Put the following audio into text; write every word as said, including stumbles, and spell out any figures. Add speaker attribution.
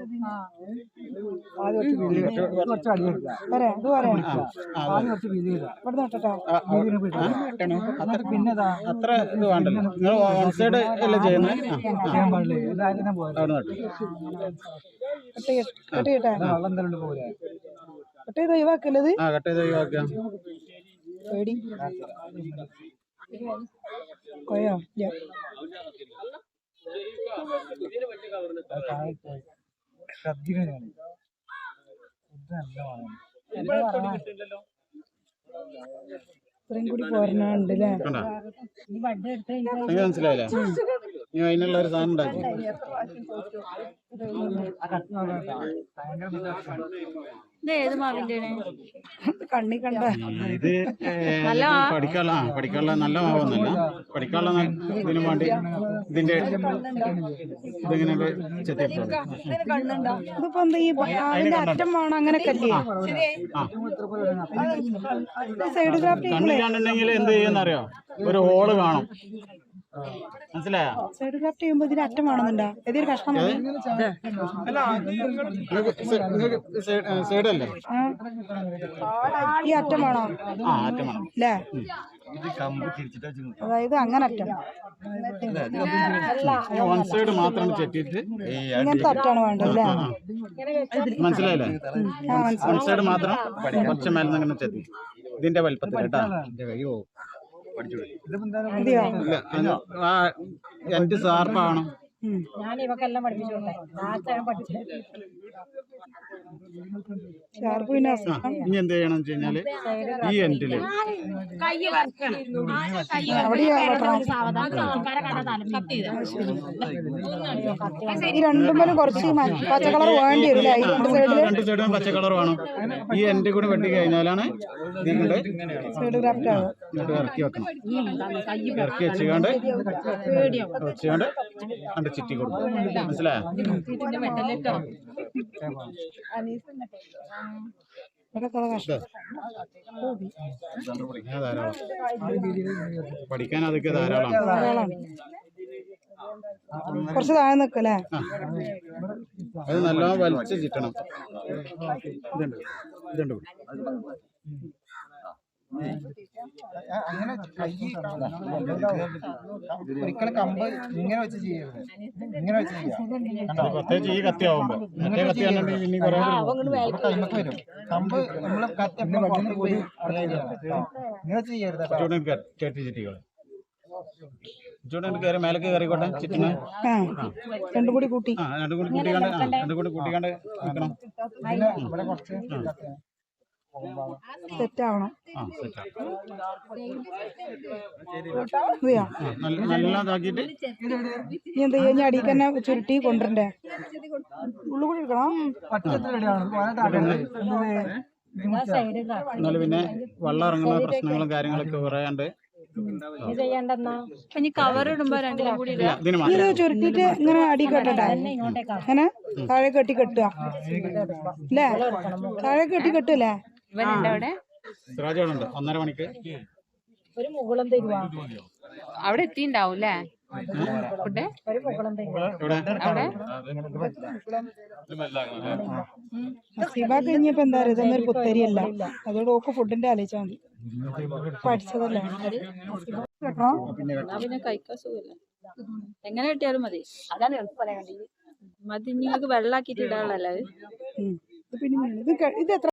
Speaker 1: പിന്നെതാ അത്ര ഇത് വേണ്ടല്ലോ. നിങ്ങൾ വൺ സൈഡ് അല്ലേ ചെയ്യുന്നത്? ചെയ്യാൻ പാടില്ലേ? വെള്ളം തന്നെ പോലെ കട്ട് ചെയ്ത് ഒഴിവാക്കല്ലത്. ആ കട്ട് ചെയ്ത് ഒഴിവാക്കാം. പേടി കൊയ്യോ ശ്രദ്ധിക്കണം. ഇത്രയും കൂടി പോരണുണ്ടല്ലേ? മനസ്സിലായില്ലേ? അതിനുള്ള ഒരു സാധനം ഉണ്ടാക്കി കണ്ണി കണ്ട ഇത് പഠിക്കാനുള്ള പഠിക്കാനുള്ള നല്ല മാവൊന്നുമല്ല. പഠിക്കാനുള്ള ഇതിനു വേണ്ടി ഇതിന്റെ ഇതിങ്ങനെ ഇതിപ്പോ എന്താ ഈ അതിന്റെ അറ്റം വേണം അങ്ങനെയൊക്കെ സൈഡ് ക്രാഫ്റ്റ് കണ്ണില്ലാന്നുണ്ടെങ്കിൽ എന്ത് ചെയ്യുന്നറിയോ? ഒരു ഹോള് കാണും. മനസ്സിലായോ? സൈഡ് ക്രാഫ്റ്റ് ചെയ്യുമ്പോ ഇതിന് അറ്റം വേണമെന്നുണ്ടോ? ഏതൊരു കഷ്ണം സൈഡല്ലേ ഈ അറ്റം വേണോ? അല്ലേ? അതായത് അങ്ങനെ അറ്റം വൺ സൈഡ് മാത്രം ചെത്തിയിട്ട് ഇങ്ങനത്തെ അറ്റാണ് വേണ്ടല്ലേ? മനസ്സിലായില്ലേ? വൺ സൈഡ് മാത്രം കുറച്ച് മേലെ അങ്ങനെ ചെത്തി ഇതിന്റെ വലിപ്പത്തിൽ കേട്ടാ. എന്റെ സാർപ്പാണ് ഞാൻ ഇവക്കെല്ലാം പഠിപ്പിച്ചോട്ടെ. ഇനി എന്ത് ചെയ്യണം വെച്ച് കഴിഞ്ഞാല് ഈ എൻഡില് ഈ രണ്ടും കുറച്ച് പച്ചക്കളർ വേണ്ടി വരും. രണ്ട് സൈഡും പച്ചക്കളർ വേണം. ഈ എൻഡ് കൂടെ വെട്ടി കഴിഞ്ഞാലാണ് നിങ്ങളുടെ ഇങ്ങോട്ട് ഇറക്കി വെക്കണം. ഇറക്കി വെച്ചുകൊണ്ട് വെച്ചുകൊണ്ട് കണ്ട് ചിറ്റി കൊടുക്കും. മനസ്സിലായോ? ധാരാളം പഠിക്കാൻ അതൊക്കെ ധാരാളം. കുറച്ച് താഴെ നിൽക്കല്ലേ? അത് നല്ലോണം വലിച്ച് ചിട്ടണം. ഇതുണ്ട് ഇതുണ്ട് അങ്ങനെ ഒരിക്കലും കമ്പ് ഇങ്ങനെ വെച്ച് ചെയ്യരുത്. ഇങ്ങനെ വെച്ച് ചെയ്യാം. പ്രത്യേകിച്ച് ഈ കത്തി ആവുമ്പോ മറ്റേ കത്തിയാണെങ്കിൽ പിന്നെ കുറെ കൈമൊക്കെ വരും. കമ്പ് നമ്മള് പോയി ഇങ്ങനെ വെച്ച് ചെയ്യരുത്. ചേട്ടി ചിറ്റികള് കയറി മേലേക്ക് കയറിക്കോട്ടെ. ചിറ്റിന് രണ്ടും കൂടി കൂട്ടി ആ രണ്ടും കൂടി കൂട്ടിക്കാണ്ട് രണ്ടും കൂടി കൂട്ടിക്കാണ്ട് വെക്കണം. ഇവിടെ കുറച്ച് സെറ്റ് ആവണം. നല്ലതാക്കിട്ട് ഇനി എന്താ ചെയ്യാ? അടിയിൽ തന്നെ ചുരുട്ടി കൊണ്ടുവരണ്ടേ? ഉള്ളു കൂടി എടുക്കണം. എന്നാലും പിന്നെ വെള്ളം ഇറങ്ങുന്ന പ്രശ്നങ്ങളും കാര്യങ്ങളൊക്കെ പറയാണ്ട് ഇത് ചുരുട്ടിട്ട് ഇങ്ങനെ അടി കെട്ടട്ടെ? അങ്ങനെ താഴെ കെട്ടി കെട്ടുക അല്ലേ? താഴെ കെട്ടി കെട്ടല്ലേ? ഒന്നര മണിക്ക് ഒരു മുകുളം തരുവാ. അവിടെ എത്തിണ്ടാവും അല്ലേ? സിബ കഴിഞ്ഞപ്പോ എന്താ പറയുക? ഇതൊന്നൊരു പുത്തരിയല്ല. അതോട് ഓക്ക് ഫുഡിന്റെ ആലോചിച്ചാൽ മതി. പഠിച്ചതല്ലേ? പിന്നെ കഴിക്കാൻ സുഖമില്ല. എങ്ങനെ കിട്ടിയാലും മതി. അതാണ് എളുപ്പം പറയാൻ വേണ്ടി. മതി. നിങ്ങൾക്ക് വെള്ളാക്കിട്ട് ഇടാനുള്ളല്ലേ? ഇത് പിന്നെ ഇത് എത്ര